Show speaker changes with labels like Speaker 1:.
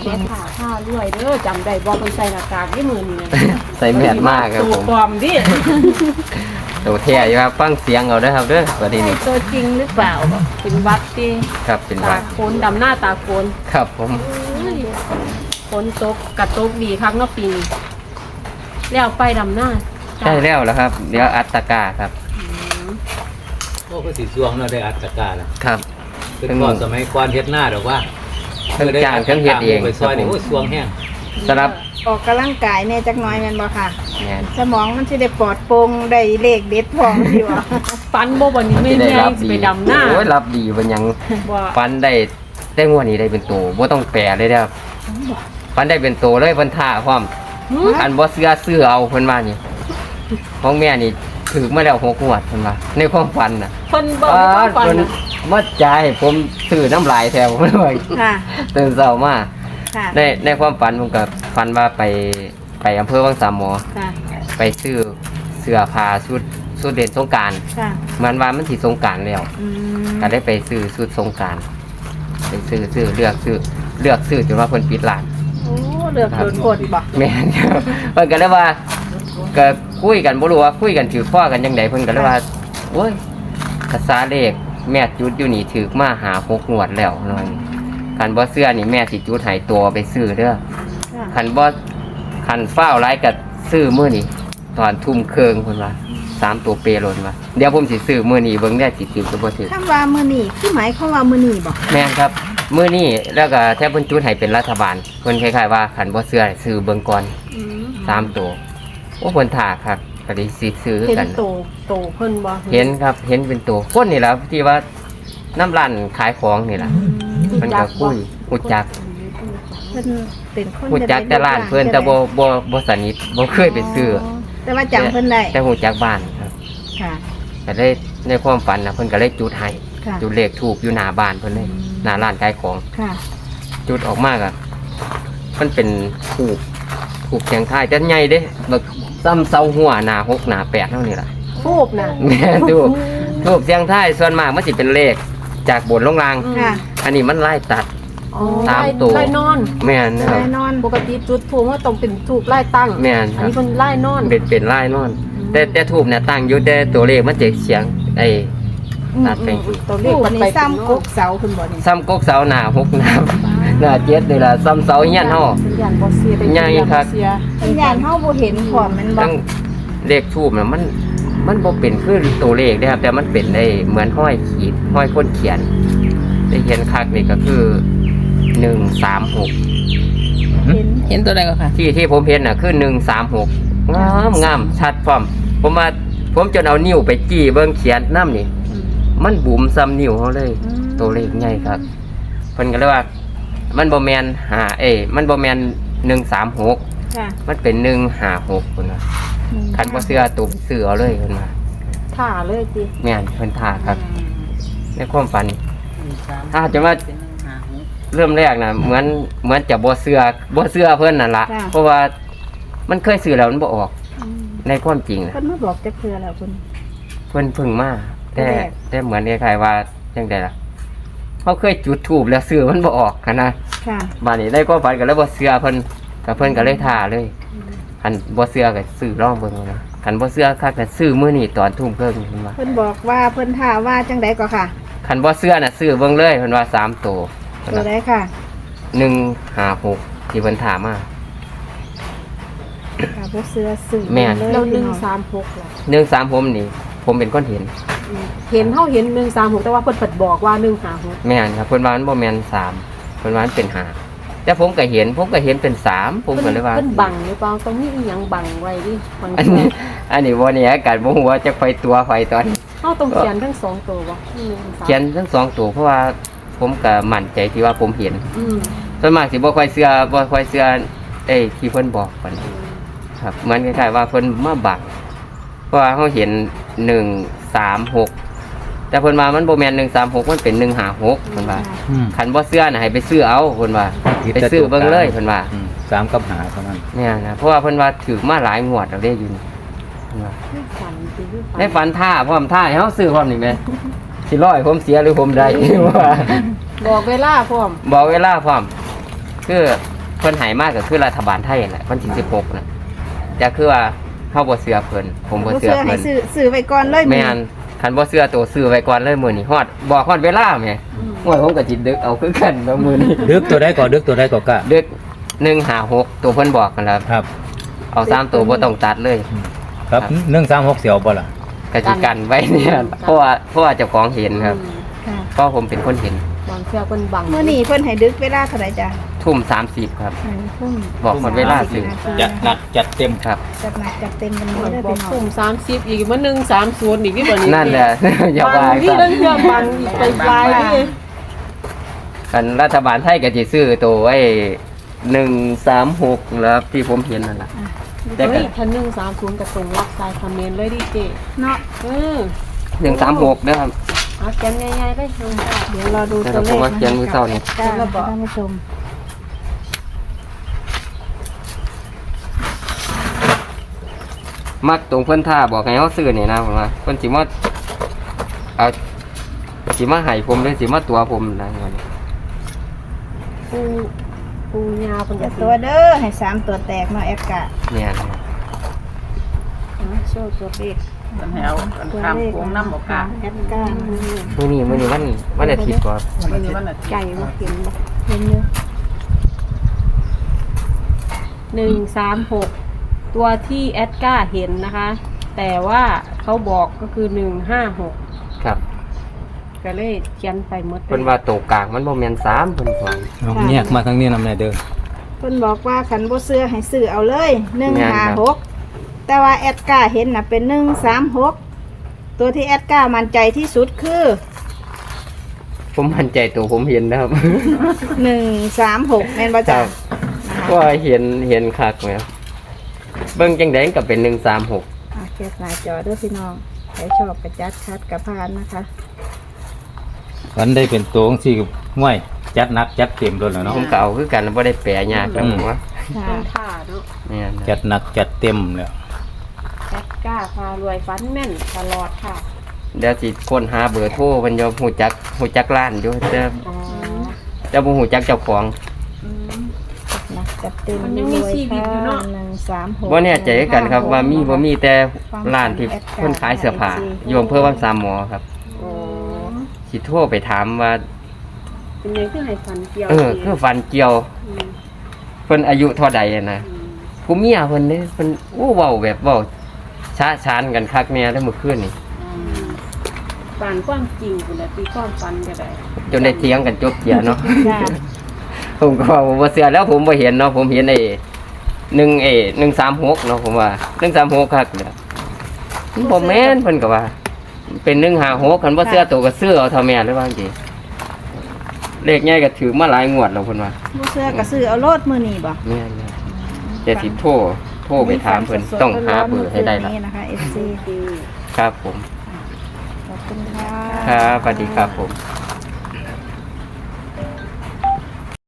Speaker 1: แม่ค่ะผ้าด้วยเด้อจำได้บอกคนใส่หน้ากากที่มือนี่นะ
Speaker 2: ใส่แมสมากครับ
Speaker 1: ตู
Speaker 2: ผม
Speaker 1: ปลอมดิ
Speaker 2: ตัวเท่อยู่ครับฟังเสียงเอาเด้อครับเด้อวันนี้
Speaker 3: ใช่
Speaker 2: นี่
Speaker 3: ตัวจริงหรือเปล่า
Speaker 1: เป็นวัดดิ
Speaker 2: ครับเป็น
Speaker 1: ตา
Speaker 2: วัด
Speaker 1: โคนดำหน้าตาโคน
Speaker 2: ครับผม
Speaker 1: ฝนตกกระตกดีครั้งเนอกปีนี้แล้วไปดำหน้า
Speaker 2: ได้แล้วครับเดี๋ยวอัตตกาครับ
Speaker 4: โอ้ก็สีสวงเราะได้อัตตกาแล้ว
Speaker 2: ครับ
Speaker 4: เป็นก่อนสมัยก่อนเฮ็ดหน้าดอกว่า
Speaker 2: เครื่องจ้างเครื่องเฮ็ดเอง
Speaker 4: ไปซอยนี่
Speaker 2: ครับผม
Speaker 4: โอ้ยสวงแห้ง
Speaker 2: สำหรับ
Speaker 3: ออกกำลังกายแน่จักหน้อยแม่นบ่ค่ะ
Speaker 2: งาน
Speaker 3: สมองมันสิได้ปลอดโปร่งได้เลขเด็ดพร้อมสิวะ
Speaker 1: ฟันโบวันนี้ไม่
Speaker 2: ที่ได้
Speaker 1: แน่
Speaker 2: รับ
Speaker 1: สิ
Speaker 2: ดี
Speaker 1: ไปดำหน้า
Speaker 2: โอ้ยรับดีเป็นหยัง
Speaker 1: ว่า
Speaker 2: ฟันได้งวดนี้ได้เป็นตัวบ่ต้องแปรเลยเด้อครับฟันได้เป็นตัวเลยเพิ่นท่าพร้อม
Speaker 1: หืม
Speaker 2: อันบ่เสื้อซื้อเอาเพิ่นว่านี่ของแม่นี่ถือมาแล้ว6งวดเพิ่นว่าในความฝันน่ะ
Speaker 1: คนบอกว่าฟัน
Speaker 2: เพิ่น
Speaker 1: น่ะ
Speaker 2: มาจ่ายให้ผมซื้อน้ำลายแถวเพิ่นว่า
Speaker 3: ค่ะ
Speaker 2: ตื่นเช้ามา
Speaker 3: ค่ะ
Speaker 2: ในความฝันผมก็ฝันว่าไปอำเภอวังสามหมอ
Speaker 3: ค่ะ
Speaker 2: ไปซื้อเสื้อผ้าชุดเด่นสงกรานต์
Speaker 3: ค่ะ
Speaker 2: มันว่ามันสิสงกรานต์แล้ว
Speaker 3: อืม
Speaker 2: ก็ได้ไปซื้อชุดสงกรานต์ไปซื้อเลือกซื้อจนว่าเพิ่นปิดร้าน
Speaker 3: โอ้เลือกโดนกดบ่
Speaker 2: แม่นครับเพิ่นก็เลยว่าก็คุยกันบ่รู้ว่าคุยกันถือข้อกันจังไดเพิ่นก็เลยว่าโอ้ยภาษาเลขแม่จุดอยู่นี่ถือมาหา6งวดแล้วหน่อยคันบ่เสื้อนี่แม่สิจุดให้ตัวไปซื้อเด้อ
Speaker 3: ค่ะ
Speaker 2: คันฟ้าวหลายก็ซื้อมื้อนี้ตอนทุ่มครึ่งเพิ่นว่า3ตัวเปโลนว่าเดี๋ยวผมสิซื้อมื้อนี้เบิ่งได้สิถือก็บ่ถือ
Speaker 3: คำว่ามื้อนี้คือหมายความว่ามื้อนี้บ่
Speaker 2: แม่นครับมื้อนี้แล้วก็แทบเพิ่นจุดให้เป็นรัฐบาลเพิ่นคล้ายๆว่าคันบ่เชื่อให้ซื้อเบิ่งก่อน
Speaker 1: อืม
Speaker 2: 3ตัวโอ้เพิ่นท่าครับก็ได้สิซื้อ
Speaker 1: เห็น
Speaker 2: กัน
Speaker 1: โตเพิ่นบ่
Speaker 2: เห็นครับเห็นเป็นตัวคนนี่แหละที่ว่าน้ำร้านขายของนี่แหละเพิ่นก็คุยฮู้จัก
Speaker 3: เพิ่นเป็นคน
Speaker 2: ฮู้จักแต่ร้านเพิ่นแต่บ่สนิทบ่เคยไปซื้อ
Speaker 3: แต่ว่าจำเพิ่นได้
Speaker 2: แต่ฮู้จักบ้านครับ
Speaker 3: ค่ะ
Speaker 2: ก็ได้ในความฝันนะเพิ่นก็เลยจุดให้
Speaker 3: ค่ะ
Speaker 2: จุดเลขถูกอยู่หน้าบ้านเพิ่นเลยหน้าร้านขายของ
Speaker 3: ค่ะ
Speaker 2: จุดออกมากอ่ะมันเป็นถูกเสียงทายแต่ใหญ่เด้แบบซ้ำเสาหัวหน้า6หน้า8เท่านี้ล่ะ
Speaker 1: ทูบน่ะ
Speaker 2: แม่ถูกเสียงทายส่วนมากมันสิเป็นเลขจากบนลงล่าง
Speaker 1: อืม
Speaker 3: ค่ะ
Speaker 2: อันนี้มันไล่ตัด
Speaker 1: อ๋อ
Speaker 2: ตามตัว
Speaker 1: ไล่นอน
Speaker 2: แม่นนะครับ
Speaker 3: แน่นอน
Speaker 1: ปกติจุดทูบว่าต้องเป็นทูบไล่ตั้ง
Speaker 2: แม่นครับ
Speaker 1: อันนี้เพิ่นไล่นอน
Speaker 2: เป็นไล่นอน แต่ทูบเนี่ยตั้งอยู่แต่ตัวเลขมันจะเสียงไอ้ตัดไป
Speaker 1: ตัวเล
Speaker 3: ผู้
Speaker 1: ขมัน
Speaker 3: นี่
Speaker 1: ไป
Speaker 3: ซ้ำกกเสาคุณบ่นี่
Speaker 2: ซ้ำกกเสาหน้า6หน้าหน้า7นี่ล่ะซ้ำเสาเฮียนเฮา
Speaker 1: เป็นยันบ่เสียเป็น
Speaker 2: ใหญ่ครับ
Speaker 1: เสีย
Speaker 3: วิญญาณเฮาบ่เห็นพร้อมแมันบ่
Speaker 2: ทั้งเลขทูบน่ะมันบ่เป็นคือตัวเลขเด้ครับ แต่มันเป็นได้เหมือนห้อยขีดห้อยคนเขียนได้เขียนคักนี่ก็คือ136
Speaker 3: เห็น
Speaker 5: เห็นตัวใดก็ค่ะ
Speaker 2: ที่ผมเห็นน่ะคือ136งามชัดพร้อมผมจนเอานิ้วไปจี้เบิ่งเขียนน้ำนี่ มันบุ๋มซ้ำนิ้วเขาเลย ตัวเลขใหญ่ครับเพิ่นก็เลยว่า มันบ่แม่นมันบ่แม่น136
Speaker 3: ค่ะ
Speaker 2: มันเป็น156เพิ่นว่าคันบ่เชื่อตัวไปซื้อเอาเลยเพิ่นว่า
Speaker 1: ท่าเลยติ
Speaker 2: แม่นเพิ่นท่าครับ ในความฝันถ้าจะว่าเริ่มแรกน่ะเหมือนจะบ่เชื่อเพิ่นนั่นล่ะเพราะว่ามันเคยซื้อแล้วมันบ่ออก ในความจริงน่ะ
Speaker 3: เพิ่นมาบอกจักเทื่อแล้วคุณ
Speaker 2: เพิ่นเพึ่งมาแต่
Speaker 3: แรก
Speaker 2: แต่เหมือนคล้ายๆว่าจังไดล่ะเขาเคยจุดธูปแล้วซื้อมันบ่ออกหั้นนะ
Speaker 3: ค่ะ
Speaker 2: บัดนี้ได้ความฝันก็เลยบ่เชื่อเพิ่นก็เลยท่าเลยคันบ่เชื่อก็ซื้อลองเบิ่งเอานะคันบ่เชื่อคักก็ซื้อมื้อนี้ตอนทุ่มครึ่งเพิ่นว่า
Speaker 3: เพิ่นบอกว่าเพิ่นท่าว่าจังไดก็ค่ะ
Speaker 2: คันบ่เชื่อน่ะซื้อเบิ่งเลยเพิ่นว่า3ตัวเพิ่น
Speaker 3: ตัว
Speaker 2: ว่า
Speaker 3: ใดค่ะ
Speaker 2: 156ที่เพิ่นท่ามา
Speaker 3: ค่ะบ่เสื้อสื่อ
Speaker 2: แม่น
Speaker 3: เลย
Speaker 1: แล้ว
Speaker 3: พี่น้อง
Speaker 1: 136ล่ะ
Speaker 2: 136ผมนี่ผมเป็นคนเห็น
Speaker 1: เห็นเฮาเห็น136แต่ว่าเพิ่นเปิดบอกว่า156
Speaker 2: แม่นครับเพิ่นว่ามันบ่แม่น3เพิ่นว่ามันเป็น5แต่ผมก็เห็นเป็น3ผมก็เลยว่า
Speaker 1: เพิ่นบังหรือเปล่าต้องมีอีหยังบังไว้ดิบาง
Speaker 2: อัน
Speaker 1: ที
Speaker 2: นี้บ่เนี่ยการบ่ฮู้ว่าจะไปตัวไฟตอน
Speaker 1: เฮาต้องเขียนทั้งสองตัวบ่1
Speaker 2: เขียนทั้งสองตัวเพราะว่าผมก็มั่นใจที่ว่าผมเห็น
Speaker 1: อืม
Speaker 2: ส่วนมากสิบ่ค่อยเชื่อที่เพิ่นบอกปานใดครับเหมือนคล้ายๆว่าเพิ่นมาบังเพราะว่าเฮาเห็น136แต่เพิ่นว่ามันบ่แม่น136มันเป็น156เพิ่นว่าคันบ่เชื่อน่ะให้ไปซื้อเอาเพิ่นว่าไปซื้อเบิ่งเลยเพิ่นว่า
Speaker 4: 3กับ5เท่านั้น
Speaker 2: เนี่ยนะเพราะว่าเพิ่นว่าถือมาหลายงวดแล้วเด้อยู่นี่เพิ่นว่า
Speaker 1: ฝันสิคือฝัน
Speaker 2: ในฝันท่าพร้อมท่าให้เฮาซื้อพร้อมนี่แหมสิร้อยผมเสียหรือผมได้ ว่า
Speaker 1: บอกเวลาพร้อม
Speaker 2: บอกเวลาพร้อมคือเพิ่นให้มากก็คือรัฐบาลไทยนั่นแหละวันที่16น่ะจะคือว่าเฮาบ่เชื่อเพิ่นผมบ่
Speaker 3: บ่
Speaker 2: เชื่อ
Speaker 3: เสื้อให้
Speaker 2: เพิ่น
Speaker 3: ซื้อไว้ก่อนเลย
Speaker 2: แม่นคันบ่เชื่อตัวซื้อไว้ก่อนเลยมื้อนี้ฮอดบอกฮอดเวลาแหม่โอ้ยผมก็จิดึกเอาคือกันแล้วมื้อนี้
Speaker 4: ดึกตัวใดก่อนดึกตัวใดก่อนกะ
Speaker 2: ดึก156ตัวเพิ่นบอกกันแล้ว
Speaker 4: ครับ
Speaker 2: เอา3ตัวบ่ต้องตัดเลย
Speaker 4: ครับ136เสียวบ่ล่ะ
Speaker 2: กสิกันไว้เนี่ยเพราะว่าเจ้าของเห็นครับ
Speaker 3: ค่ะ
Speaker 2: เพราะผมเป็นคนเห็น
Speaker 1: บางเทื่อเพิ่นบัง
Speaker 3: มื้อนี้เพิ่นให้ดึกเวลาเท่าไหร่จ้ะ
Speaker 2: ทุ่ม30ครับ
Speaker 3: ทุ่ม
Speaker 2: บอกหมดเวลาซื้อ
Speaker 4: จัดหนักจัดเต็ม
Speaker 2: ครับ
Speaker 3: จัดหนักจัดเต็มกัน
Speaker 1: บ
Speaker 3: นี้เด้อ
Speaker 1: อ
Speaker 3: พี่
Speaker 1: ก
Speaker 3: น้อง
Speaker 1: ทุ่ม30อีกมัน130อีกที่บ่นี้
Speaker 2: นั่นแหละ อย่า
Speaker 1: บา
Speaker 2: ว่าง
Speaker 1: ที่
Speaker 2: กัน
Speaker 1: เรื่องเทื่อบังอีกไปปลายนี่
Speaker 2: กันรัฐบาลไทยก็สิซื้อตัวไอ้136แล้วที่ผมเห็นนั่นล่ะ แต่ก็
Speaker 1: เฮ้ยทัน130กับตรงรักสายคอมเมนต์เลยดิเจ
Speaker 3: เนาะ
Speaker 2: 136นะครับ
Speaker 1: เอาแกนใหญ่ๆได้ลงค่ะ
Speaker 3: เดี๋ยวรอดู
Speaker 2: แต่
Speaker 3: ตัวเล
Speaker 2: ผม
Speaker 3: ข
Speaker 2: ว่าเขียนมือเศร้านี่
Speaker 3: จ้าท่านผู้ชม
Speaker 2: มักตรงเพิ่นท่าบอกให้เฮาซื้อนี่นะผมว่าเพิ่นสิมาเอาสิมาให้ผมหรือสิมาตัวผมนะวันนี้
Speaker 1: ปูยาเพิ่น
Speaker 3: อย่า
Speaker 1: จะ
Speaker 3: ตัวเด้อให้3ตัวแตกเนาะแอดกะ
Speaker 2: เนี่ยนะครับ
Speaker 1: โชว์ตัวเลข
Speaker 5: มันให้เอากันข้ามโค้งน้ำบอกกา
Speaker 3: แอดกะ
Speaker 2: มื้อนี้วันอาทิตย์บ่
Speaker 5: วันนี้วันอาทิตย์
Speaker 1: ไก่มาเขียนบ่
Speaker 3: เห็นอยู่
Speaker 1: 136ตัวที่แอดก้าเห็นนะคะ แต่ว่าเขาบอกก็คือ156
Speaker 2: ครับ
Speaker 1: ก็เลยเขียนไปหมด
Speaker 2: เพิ่นว่าโตกลางมันบ่แม่น3เพิ่นว่า
Speaker 4: เอาแยกมาทางนี้นำแน่เด้อ
Speaker 3: เพิ่นบอกว่าคันบ่เสื้อให้ซื้อเอาเลย
Speaker 2: แม่นครับ
Speaker 3: 156แต่ว่าแอดกะเห็นน่ะเป็น136ตัวที่แอดกะมั่นใจที่สุดคือ
Speaker 2: ผมมั่นใจตัวผมเห็นนะครับ
Speaker 3: 136แม่นบ่จ้ะ
Speaker 2: ว่าเห็นคักไหมครับเบิ่งจังได๋ก็เป็น136
Speaker 3: แคปหน้าจอเด้อพี่น้องใครชอบกระจัดคัดกระพานนะคะ
Speaker 4: วันได้เป็นตัวของสี่ห้วยจัดหนักจัดเต็มโดนแล้วเนาะ
Speaker 2: ผมก็เอาคือกันบ่ได้แปลยากแล้วผมว่า
Speaker 3: ค่ะ
Speaker 1: เป็นท่าเนาะ
Speaker 2: เนี่ยนะ
Speaker 4: จัดหนักจัดเต็มแล้ว
Speaker 1: แอดก้าพารวยฟันแม่นตลอดค่ะ
Speaker 2: เดี๋ยวสิค้นหาเบอร์โทรเพิ่นจะฮู้จักร้านอยู่แต่
Speaker 1: อ๋อ
Speaker 2: แต่บ่ฮู้จักเจ้าของ
Speaker 3: นะจัดเต็ม
Speaker 1: มันยังมีชีวิตอยู่เนาะ
Speaker 3: 136
Speaker 2: บ่แน่ใจกันครับว่ามีบ่มีแต่ร้านที่เพิ่นขายเสื้อผ้าอยู่อำเภอวังสามหมอครับ
Speaker 1: อ๋อ
Speaker 2: สิโทรไปถามว่า
Speaker 1: เป็นยังคือให้ฟันเกี่ยว
Speaker 2: คือฟันเกี่ยว
Speaker 1: ม
Speaker 2: เพิ่นอายุเท่าใดอะนะ
Speaker 1: อืม
Speaker 2: ผู้เมียเพิ่นนี่เพิ่นเว้าแบบเว้าช้าชานกันคักแน่แล้วเมื่อคืนนี่
Speaker 1: ฟันความจริงคุณละตีความฟันก็ได้
Speaker 2: จนได้เถียงกันจบเกียเนาะ
Speaker 3: จ้ะ
Speaker 2: ผมก็ว่าผมบ่เชื่อแล้วผมบ่เห็นเนาะผมเห็น136เนาะผมว่า136คักเด้อมันบ่แม่นเพิ่นก็ว่า เป็น156คันบ่เชื่อตัวก็ซื้อเอาเท่าแม่หรือว่าจังซี่เลขใหญ่ก็ถือมาหลายงวดแล้วเพิ่นว่า
Speaker 3: บ่เสื้อก็ซื้อเอาโลดมื้อนี้บ่
Speaker 2: แม่นๆแต่สิโทรไปถามเพิ่นต้องหาเบอร์ให้ได้ล่ะ
Speaker 3: นี่นะคะ FC
Speaker 2: ครับผม
Speaker 3: ขอบคุณค่ะ
Speaker 2: ครับสวัสดีครับผม